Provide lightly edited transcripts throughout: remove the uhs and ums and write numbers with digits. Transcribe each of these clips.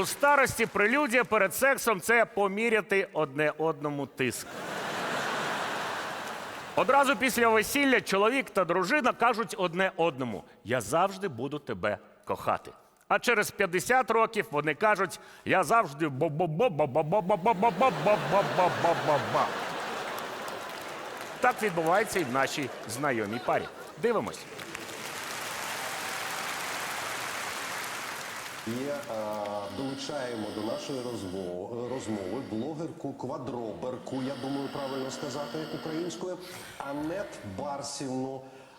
У старості прелюдія перед сексом – це поміряти одне одному тиск. Одразу після весілля чоловік та дружина кажуть одне одному: «Я завжди буду тебе кохати». А через 50 років вони кажуть: «Я завжди ба-ба-ба-ба-ба-ба-ба-ба-ба-ба-ба-ба-ба-ба-ба». Так відбувається і в нашій знайомій парі. Дивимось. І долучаємо до нашої розмови блогерку-квадроберку, я думаю, правильно сказати українською, Анет Барсівну.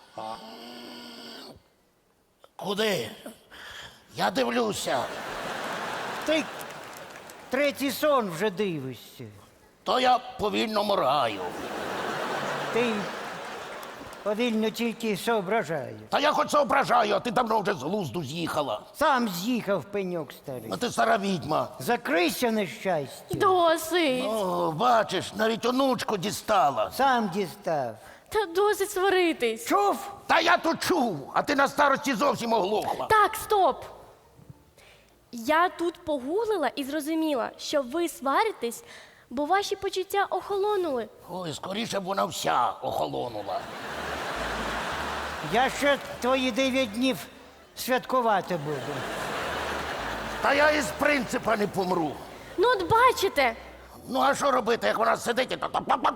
Куди? Я дивлюся. Ти третій сон вже дивишся. То я повільно моргаю. Ти повільно тільки соображаєш. Та я хоч соображаю, а ти давно вже з глузду з'їхала. Сам з'їхав пеньок старий. А ти стара відьма. Закрийся нещастя. Досить. О, бачиш, навіть онучку дістала. Сам дістав. Та досить сваритись. Чув? Та я то чув, а ти на старості зовсім оглохла. Так, стоп. Я тут погуглила і зрозуміла, що ви сваритесь, бо ваші почуття охолонули. Ой, скоріше б вона вся охолонула. Я ще твої 9 днів святкувати буду. Та я із принципа не помру. Ну от бачите. Ну а що робити, як вона сидить і то...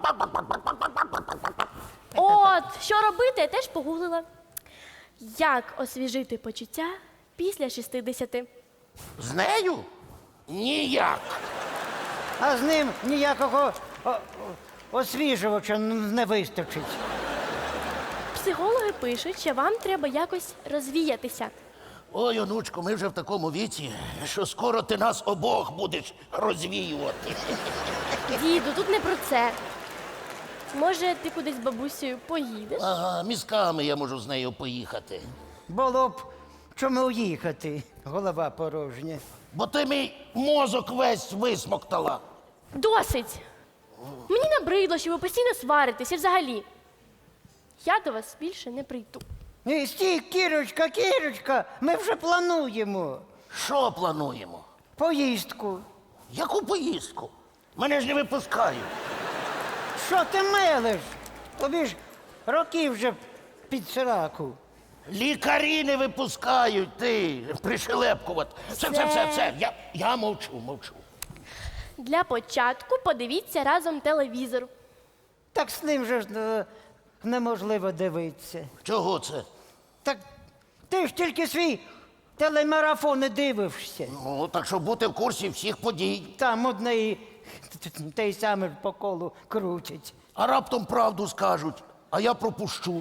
От, що робити, я теж погуглила. Як освіжити почуття після 60? З нею? Ніяк. А з ним ніякого освіжувача не вистачить. Психологи пишуть, що вам треба якось розвіятися. Ой, онучко, ми вже в такому віці, що скоро ти нас обох будеш розвіювати. Діду, тут не про це. Може, ти кудись з бабусею поїдеш? Ага, мізками я можу з нею поїхати. Було б чому їхати, голова порожня. Бо ти мій мозок весь висмоктала. Досить! Мені набридло, що ви постійно сваритесь і взагалі. Я до вас більше не прийду. Стій, Кірочка, Кірочка, ми вже плануємо Що плануємо? поїздку. Яку поїздку? Мене ж не випускають. Що ти мелиш? Тобі ж роки вже під сраку. Лікарі не випускають, ти пришелепкувати. Все. Я мовчу. Для початку подивіться разом телевізор. Так з ним же ж неможливо дивитися. Чого це? Так ти ж тільки свій телемарафон не дивишся. Ну, так щоб бути в курсі всіх подій. Там одне і те й саме по колу крутять. А раптом правду скажуть, а я пропущу.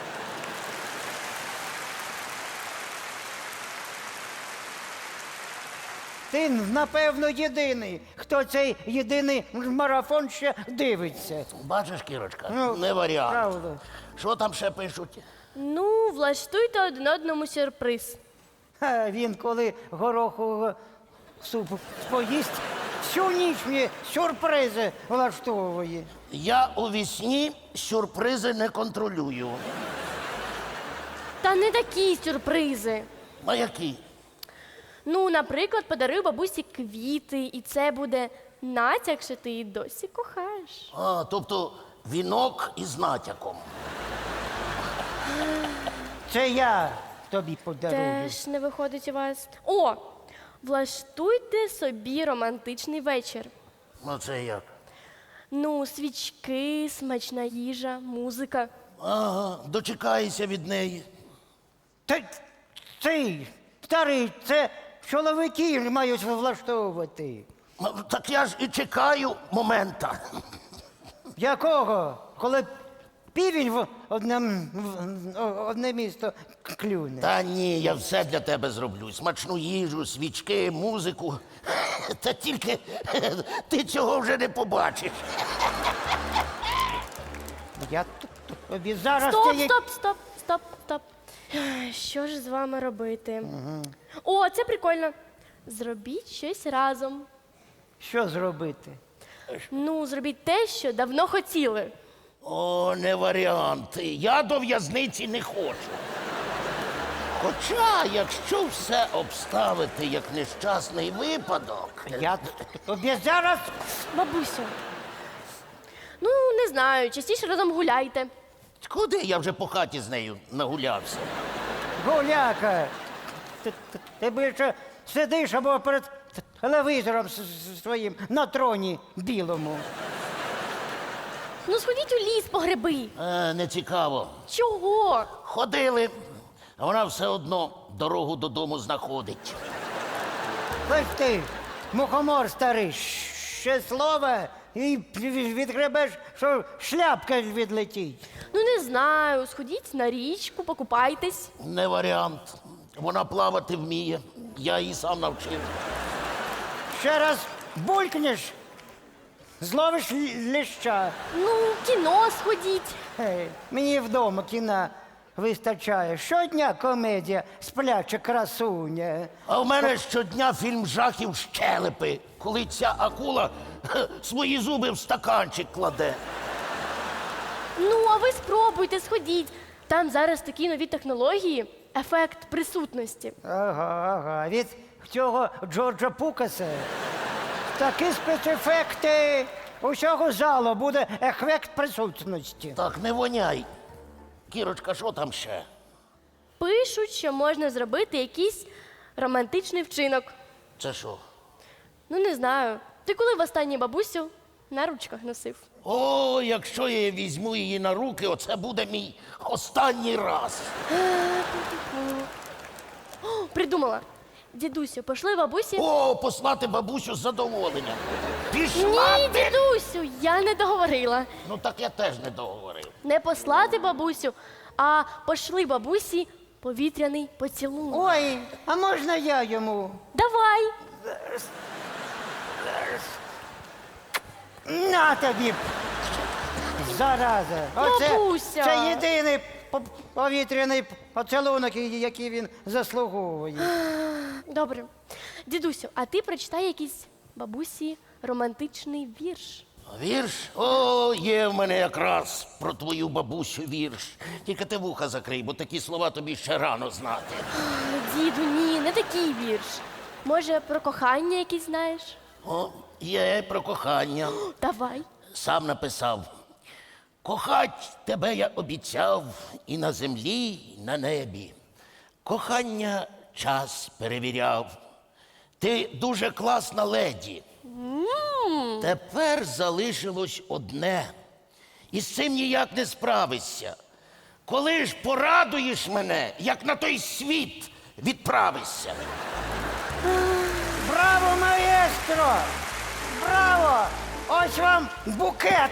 Ти, напевно, єдиний, хто цей єдиний марафон ще дивиться. Бачиш, Кірочка, Ну, не варіант. правда. Що там ще пишуть? Ну, влаштуйте один одному сюрприз. А він, коли горохового супу поїсть, всю ніч мені сюрпризи влаштовує. Я у вісні сюрпризи не контролюю. Та не такі сюрпризи. А які? Ну, наприклад, подарую бабусі квіти, і це буде натяк, що ти її досі кохаєш. А, тобто вінок із натяком. Це я тобі подарую. Теж не виходить у вас. О! Влаштуйте собі романтичний вечір. Ну це як? Ну, свічки, смачна їжа, музика. Ага, дочекайся від неї. Цей старий, це чоловіки мають влаштовувати. Ну, так я ж і чекаю момента. Якого? Коли півень в одне місто клюне. Та ні, я все для тебе зроблю. Смачну їжу, свічки, музику. Та тільки ти цього вже не побачиш. Я тобі зараз... Стоп. Що ж з вами робити? О, це прикольно. Зробіть щось разом. Що зробити? Ну, зробіть те, що давно хотіли. О, не варіант. Я до в'язниці не хочу. Хоча, якщо все обставити як нещасний випадок, Я тобі зараз Бабусю. Ну, не знаю, частіше разом гуляйте. куди я вже по хаті з нею нагулявся? гуляка. Ти більше сидиш або перед телевізором своїм на троні білому. Ну, сходіть у ліс по гриби. Не цікаво. Чого? Ходили, а вона все одно дорогу додому знаходить. Ось ти, мухомор старий, ще слово і відгребеш, що шляпка відлетить. Ну, не знаю, сходіть на річку, покупайтесь. Не варіант. Вона плавати вміє. Я її сам навчив. Ще раз булькнеш, зловиш ліща. Ну, в кіно сходіть. Мені вдома кіна вистачає. Щодня комедія «Спляча красуня». А в мене щодня фільм жахів «Щелепи», коли ця акула свої зуби в стаканчик кладе. Ну, а ви спробуйте, сходіть. Там зараз такі нові технології, ефект присутності. Ага. Від цього Джорджа Пукаса такі спецефекти. Усього залу буде ефект присутності. Так, не воняй. Кірочка, що там ще? Пишуть, що можна зробити якийсь романтичний вчинок. Це що? Ну, не знаю. Ти коли востаннє бабусю на ручках носив? О, якщо я візьму її на руки, оце буде мій останній раз. О, придумала. Дідусю, пошли бабусі. О, послати бабусю з задоволенням. Пішла Ні, ти! дідусю, я не договорила. Ну так я теж не договорив. Не послати бабусю, а пошли бабусі повітряний поцілунок. Ой, а можна я йому? Давай. На тобі! Зараза! Бабуся! Це єдиний повітряний поцілунок, який він заслуговує. Добре. Дідусю, а ти прочитай якийсь бабусі романтичний вірш. Вірш? О, є в мене якраз про твою бабусю вірш. Тільки ти вуха закрий, бо такі слова тобі ще рано знати. Діду, ні, не такий вірш. Може, про кохання якийсь знаєш? О, є про кохання. Давай. Сам написав. Кохать тебе я обіцяв і на землі, і на небі. Кохання час перевіряв. Ти дуже класна леді. Тепер залишилось одне. І з цим ніяк не справишся. Коли ж порадуєш мене, як на той світ відправишся. Браво, маестро! Браво! Ось вам букет!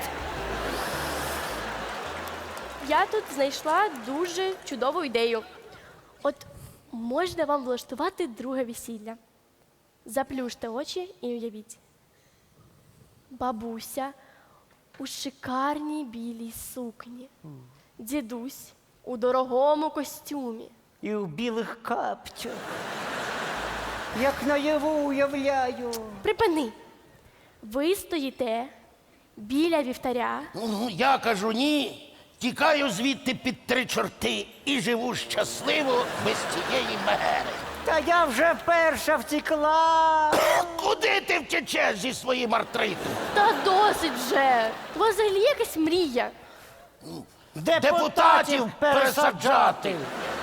Я тут знайшла дуже чудову ідею. От можна вам влаштувати друге весілля. Заплющте очі і уявіть. Бабуся у шикарній білій сукні. Дідусь у дорогому костюмі. І в білих капцях. Як наяву уявляю. Припини. Ви стоїте біля вівтаря. Ну, я кажу ні. Тікаю звідти під 3 чорти і живу щасливо без цієї мегери. Та я вже перша втекла. Куди ти втечеш зі своїм артритом? Та досить вже. У вас взагалі якась мрія. Депутатів пересаджати.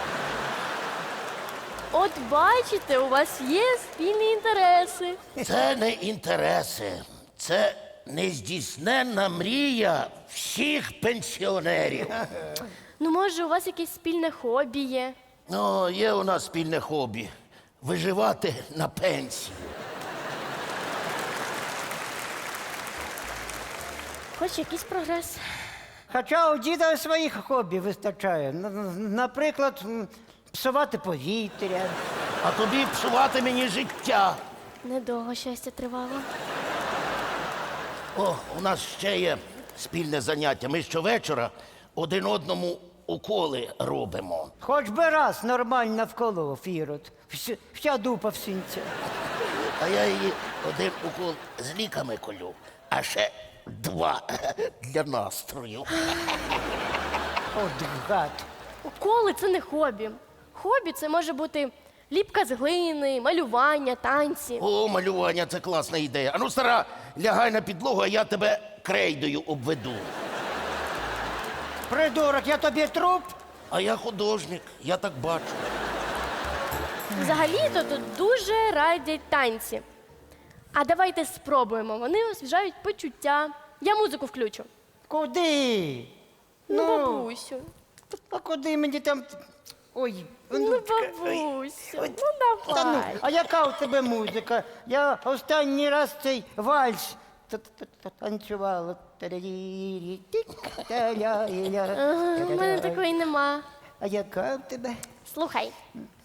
От бачите, у вас є спільні інтереси. Це не інтереси. Це нездійсненна мрія всіх пенсіонерів. Ну, може, у вас якесь спільне хобі є. О, є у нас спільне хобі. Виживати на пенсії. Хоч якийсь прогрес. Хоча у діда своїх хобі вистачає. Наприклад, псувати повітря. А тобі псувати мені життя. Недовго щастя тривало. О, у нас ще є спільне заняття. Ми щовечора один одному уколи робимо. Хоч би раз нормально вколов, Ірод. Вся дупа в синцях. А я її один укол з ліками колю, а ще 2 для настрою. От гад. Уколи це не хобі. Хобі це може бути ліпка з глини, малювання, танці. О, малювання, це класна ідея. Ану, стара, лягай на підлогу, а я тебе крейдою обведу. Придурок, я тобі труп. А я художник, я так бачу. Взагалі-то тут дуже радять танці. А давайте спробуємо. Вони освіжають почуття. Я музику включу. Куди? Ну, бабусю. А куди мені там. Ой, Ну, онучка. бабусю. Ну, Та ну, давай. а яка у тебе музика? Я останній раз цей вальс танцювала. Ага, в мене такої нема. А яка у тебе? Слухай.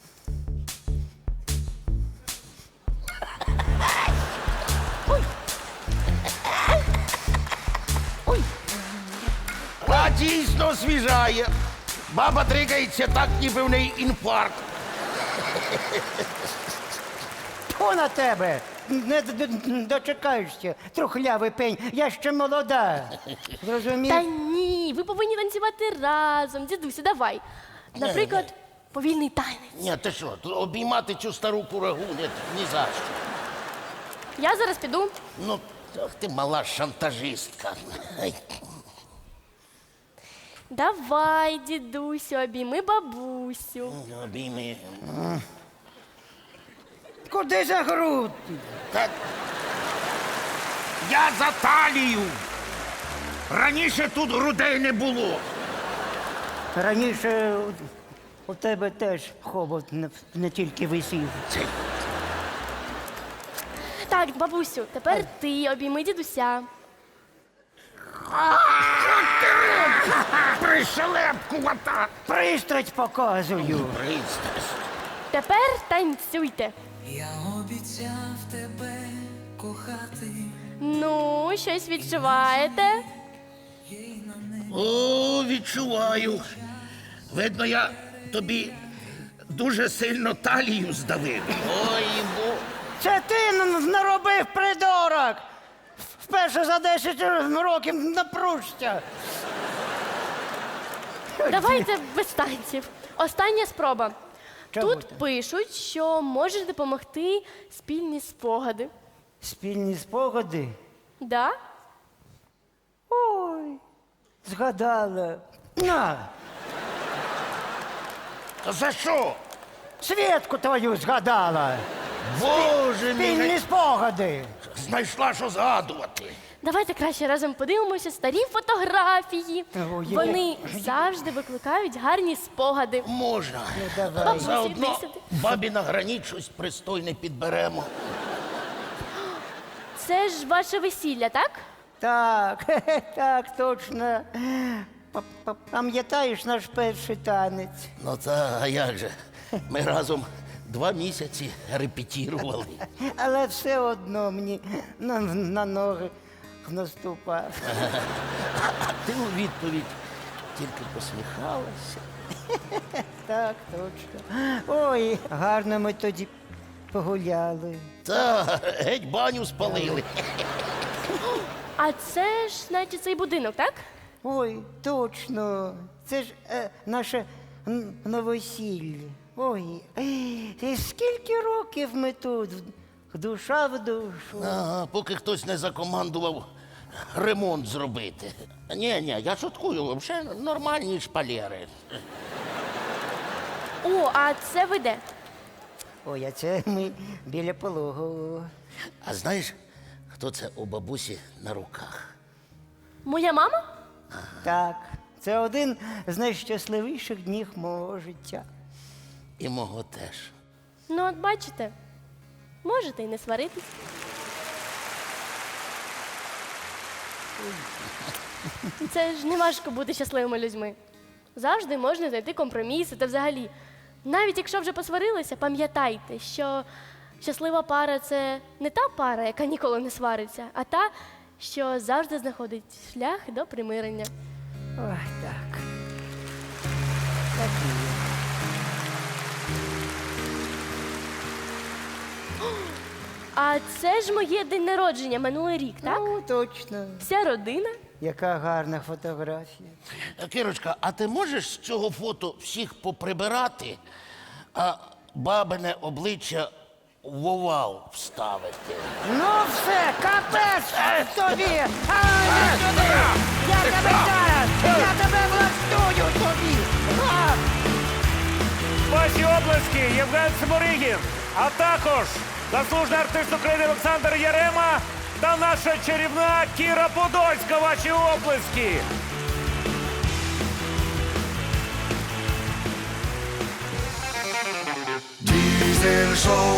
А дійсно освіжає. Баба дрикається так, ніби в неї інфаркт. Тьфу на тебе! Не дочекаєшся, трухлявий пень, я ще молода. Зрозумів? Та ні, ви повинні танцювати разом. Дідусю, давай. Наприклад, повільний танець. Ні, ти що, тут обіймати цю стару курагу ні за що. Я зараз піду. Ну, ах ти мала шантажистка. Ай. Давай, дідусю, обійми бабусю. Обійми. Куди за груд? Так. Я за талію. Раніше тут грудей не було. Раніше у тебе теж хобот не тільки висів. Так, бабусю, тепер ти обійми дідуся. Пришелепкувата. Пристрасть показую. Пристрасть. Тепер танцюйте. Я обіцяв тебе кохати. Ну, щось відчуваєте? О, відчуваю. Видно, я тобі дуже сильно талію здавив. Ой, бо. Це ти наробив, придурок! Вперше за 10 років напружся. Давайте без танців. Остання спроба. Чого Тут так? пишуть, що може допомогти спільні спогади. Спільні спогади. Да? Ой, згадала. На, Та за що? Свідку твою згадала. Боже Спільні мій, спогади. знайшла, що згадувати. Давайте краще разом подивимося старі фотографії. Ой, Вони завжди викликають гарні спогади. Можна. давай. Бабусі, Заодно йди сюди. бабі на граніт щось пристойне підберемо. Це ж ваше весілля, так? Так, так, точно. Пам'ятаєш наш перший танець? Ну та, а як же? Ми разом 2 місяці репетірували. Але все одно мені на ноги наступав. Ти у відповідь тільки посміхалася. Так, точно. Ой, гарно ми тоді погуляли. Та геть баню спалили. А це ж, значить, цей будинок, так? Ой, точно. Це ж наше новосілля. Ой, і скільки років ми тут, душа в душу. Ага, поки хтось не закомандував ремонт зробити. Ні, я шуткую, взагалі нормальні шпалери. О, а це ви де? Ой, а це ми біля пологового. А знаєш, хто це у бабусі на руках? Моя мама? Так, це один з найщасливіших днів мого життя. І мого теж. Ну, от бачите, можете і не сваритись. Це ж не важко бути щасливими людьми. Завжди можна знайти компроміси та взагалі. Навіть якщо вже посварилися, пам'ятайте, що щаслива пара це не та пара, яка ніколи не свариться, а та, що завжди знаходить шлях до примирення. Ой, так. Так і є. А це ж моє день народження минулий рік, так? Ну, точно. Вся родина. Яка гарна фотографія. Кирочка, а ти можеш з цього фото всіх поприбирати? а бабине обличчя в овал вставити. Ну все, капець тобі! Я тебе зараз! Я тебе влаштую тобі! А! Ваші облески Євген Сморигін, а також заслужений артист України Олександр Ярема та наша чарівна Кіра Подольська. Ваші облески. Diesel Show.